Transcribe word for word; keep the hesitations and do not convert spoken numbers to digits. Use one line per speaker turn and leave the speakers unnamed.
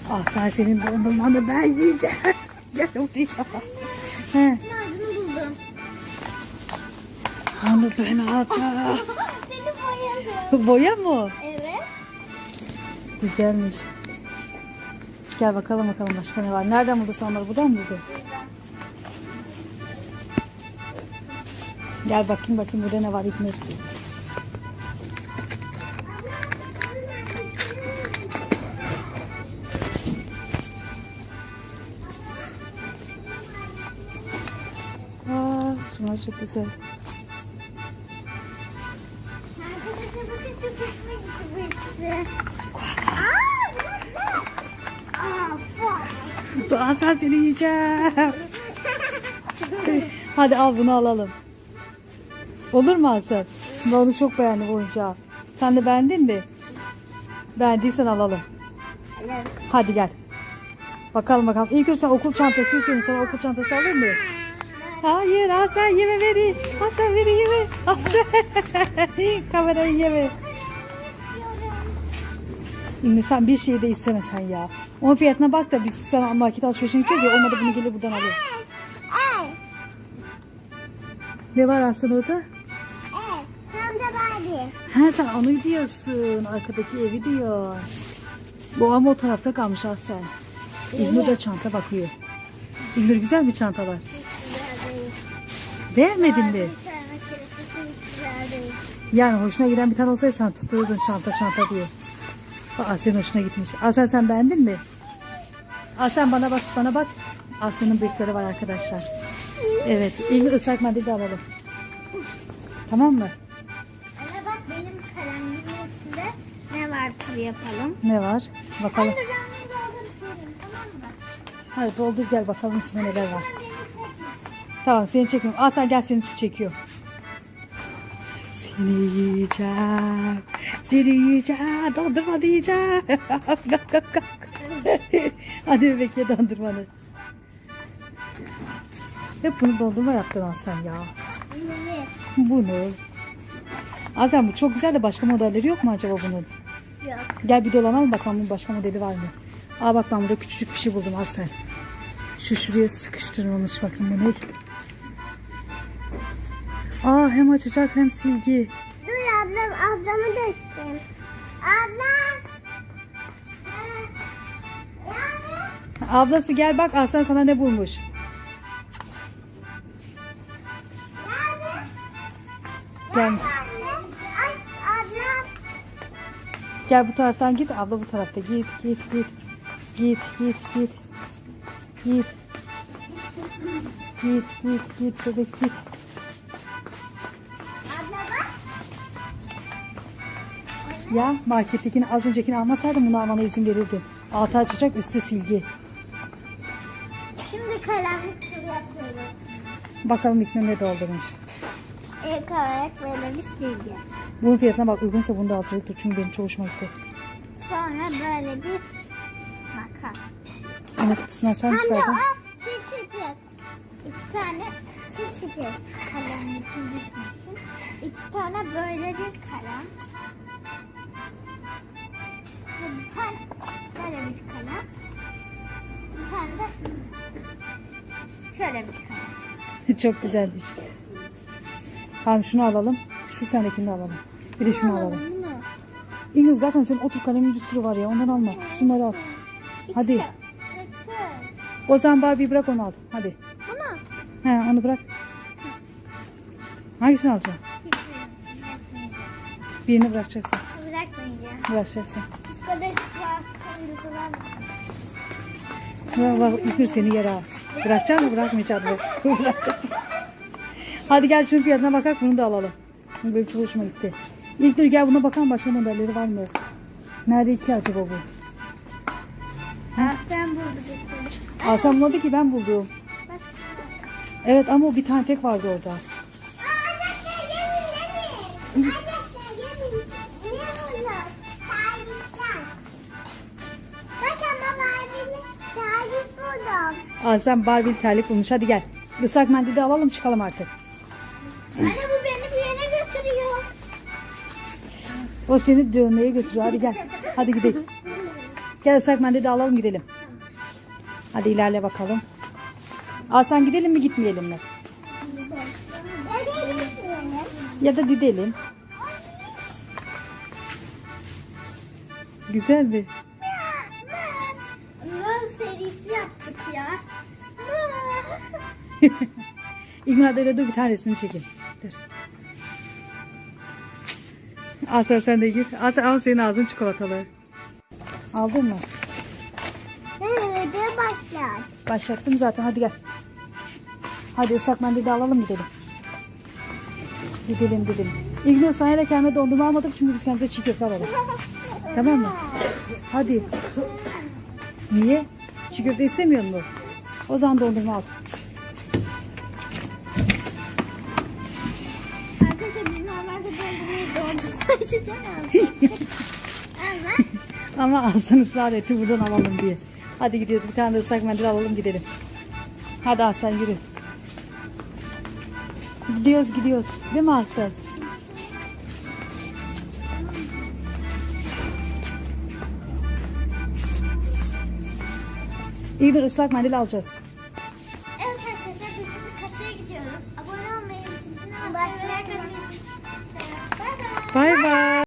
Ah sen senin dondurmanı ben yiyeceğim. Gel buraya. He.
Ağzını buldum.
Onu ben alacağım.
Seni boyadım.
Boya mı?
Evet.
Güzelmiş. Gel bakalım bakalım başka ne var. Nereden buldu sen onları? Buradan mı buldu? Gel bakayım bakayım burada ne var İknur. Aa, şunlar çok güzel.
Arkadaşlar bakın çok hoşuma gitti bu ikisi. Aa, fuck.
Daha sen seni yiyeceğim. Hadi al bunu alalım. Olur mu Hasan? Ben onu çok beğendim oyuncağı. Sen de beğendin mi? Beğendiysen alalım.
Evet.
Hadi gel. Bakalım bakalım. İlk önce sen okul çantası istiyorsun. Sana okul çantası alayım mı? Hayır Hasan yeme veri. Hasan veri yeme. Hasan. Kamerayı yeme. İlmir sen bir şey de istemesen ya. Onun fiyatına bak da biz sana market alışverişine gideceğiz ya. Olmadı bunu gelir buradan alırız.
Evet.
Ne var Hasan orada?
Evet. Tam da Barbie.
He sen onu diyorsun. Arkadaki evi diyor. Bu ama o tarafta kalmış Hasan. İlmir de çanta bakıyor. İlmir güzel bir çanta var. Beğenmedin mi? Yani hoşuna giden bir tane olsaydı sen tuturdun çanta çanta diye. Aa senin hoşuna gitmiş. Aslen sen beğendin mi? Aslen bana bak bana bak. Aslen'in bıyıkları var arkadaşlar. Evet. İlmi ıslak mendil de alalım. Tamam mı?
Ana bak benim kalemimin içinde ne var tur yapalım.
Ne var? Bakalım.
Ben de ben bunu dolduruyorum tamam mı?
Hadi doldur gel bakalım içinde neler var. Tamam seni çekmiyorum. Aslen gel seni çekiyor. Seni yiyeceğim. Seni yiyeceğim. Dondurma yiyeceğim. Kalk kalk kalk. Hadi bebek ye dondurmanı. Hep bunu dondurma yaptın Aslen ya.
Evet.
Bunu. Aslen bu çok güzel de başka modelleri yok mu acaba bunun?
Yok.
Gel bir dolanalım bakalım bunun başka modeli var mı? Aa bak ben burada küçücük bir şey buldum Aslen. Şu şuraya sıkıştırılmış bakın bu ne? Aa hem açacak hem silgi.
Dur ablam, ablamı da isteyeyim. Abla.
Ablası gel bak Aslen sana ne bulmuş. Gel.
Ay ablam.
Gel bu taraftan git. Abla bu tarafta. Git git git. Git git git. Git. Git git git bebek git.
Abla bak.
Ya markettekini az öncekini almasaydım bunu almana izin verirdim. Altı açacak üstü silgi.
Şimdi kalemlik tur yapıyoruz.
Bakalım İknur ne doldurmuş.
İlk olarak böyle bir silgi.
Bunun fiyatına bak uygunsa bunu da alacaktır. Çünkü benim çok hoşuma gitti.
Sonra böyle bir makas.
Ama kutusuna sen
Hem de
çıkardın.
o çiçecek. İki tane çiçecek. Kalemin için düşmesin. İki tane böyle bir kalem. Ve bir tane böyle bir kalem. Bir tane de şöyle bir kalem.
Çok güzelmiş. Tamam şunu alalım. Şu sendekini de alalım. Bir de şunu alalım.
Bunu.
İngiliz zaten senin otur kalemin bir sürü var ya. Ondan alma. Şunları al. Hadi.
İki. İki.
O zaman Barbie bırak onu al. Hadi.
Bunu.
He onu bırak. Hangisini alacaksın? Birini bırakacaksın.
Bırakmayacağım.
Bırakacaksın.
Arkadaşlar kırmızılar.
Bak bak İknur seni yere al. Bırakacak mı bırakmayacak mı? Bırakacak. Hadi gel şunun fiyatına bakak bunu da alalım. Bu benim çok hoşuma gitti. İlknur gel buna bakalım başka modelleri var mı? Nerede iki acaba bu?
Sen buldun.
Alsam bulmadı ki ben buldum.
Bak.
Evet ama o bir tane tek vardı orada.
Arkadaşlar yemin yemin. Arkadaşlar yemin. Ne bunlar? Servisler. Bakın baba abinin servis buldum.
Alsam Barbie terlik bulmuş. Hadi gel. Islak mendili de alalım çıkalım artık.
Anne bu beni bir yere götürüyor.
O seni dövmeye götürüyor. Hadi gel. Hadi gidelim. Gel ıslak mendil de alalım gidelim. Hadi ilerle bakalım. Hasan gidelim mi gitmeyelim mi? Ya da gidelim. Güzel bir.
Mö serisi yaptık ya.
İlmar öyle dur bir tane resmini çekeyim. Dur. Hasan sen de gir. Hasan al senin ağzın çikolatalı. Aldın mı?
Evet, başlar.
Başlattım zaten, hadi gel. Hadi ıslak mendil de alalım gidelim. Gidelim gidelim. İlgin sana da kendime dondurma almadık çünkü biz kendimize çiğ köfte alalım. Tamam mı? Hadi. Niye? Çiğ köfte istemiyor musun? O zaman dondurma al.
Arkadaşlar biz normalde dondurmayı dondurmacı değil. Ama
Ama Hasan ısrar etti buradan alalım diye. Hadi gidiyoruz, bir tane de ıslak mendil alalım gidelim. Hadi Hasan yürü. Gidiyoruz gidiyoruz. Değil mi Hasan? İyi dur, ıslak mendil alacağız.
evet arkadaşlar biz şimdi kasaya gidiyoruz. Abone olmayı, zilini açmayı ve like atmayı unutmayın. Bay bay.
Bay bay.